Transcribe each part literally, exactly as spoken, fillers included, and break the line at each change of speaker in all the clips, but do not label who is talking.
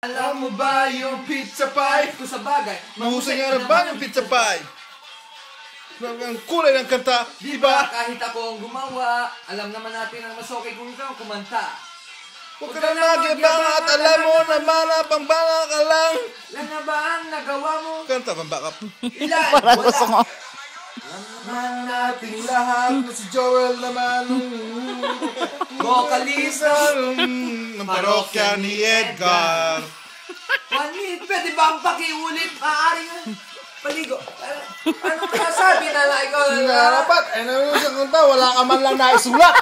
Alam mo ba yung pizza pie?
Kung sa bagay,
mahusay nga naman yung pizza pie. Ang kulay ng kanta, di ba?
Kahit ako ang gumawa, alam naman natin ang mas okay kung ikaw kumanta.
Huwag ka na magyabang at alam mo naman na pangbala ka lang.
Lang na ba ang nagawa mo?
Kanta, pambackup.
Ilan?
Parang gusto ko.
Alam naman nating lahat na si Joel naman
Vocalista
ng parokya ni Edgar.
Juanit, pwede ba ang pakiulit? Maaari nga. Paligo. Anong kasabi na lang ikaw?
Nga dapat, eh naman yung kanta, wala ka man lang naisulat.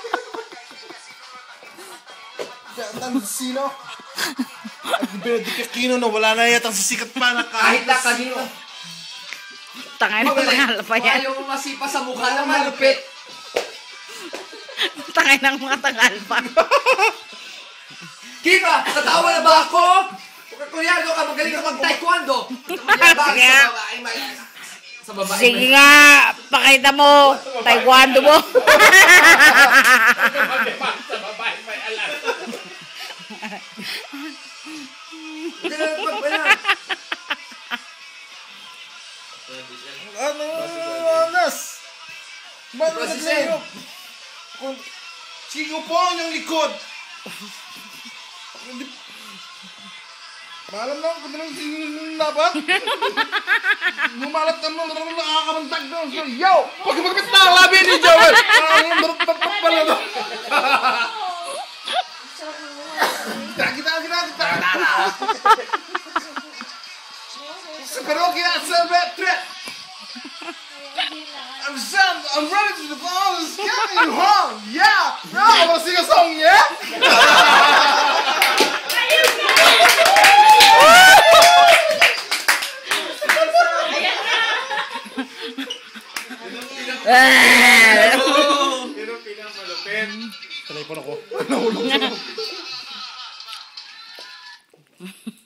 Ang sino? At Benedict Aquino na wala na yatang sisikat pa na
kahit na kanino.
Tangay ng mga pa yan.
Ayaw mo masipa sa mukha na malupit.
Tangay ng mga tangal pa.
Kiba, katawa na ba ako? Kuryado ka, magaling ka mag-taekwondo. Mayabang sa babae, may... Sa babae,
sige nga, pakita mo. Taekwondo mo.
sa babae, may alam. Hindi na nagpagpala.
Ano? Anas! Ba't na naglayop? Sige po ang yung likod! Maalam lang kung anong sinabat. Lumalat ka mo, nakakamandag doon. Yo! Huwag magpit na ang labi ni Joel! Ang marupapap pala doon. Kita, kita, kita, kita! Sa parokya at sa retret! I'm Sam, I'm ready to the ball, it's getting home! Yeah! No, I wanna sing a song, yeah? Pero pinapalupin. Talay po na ko. Nahulog.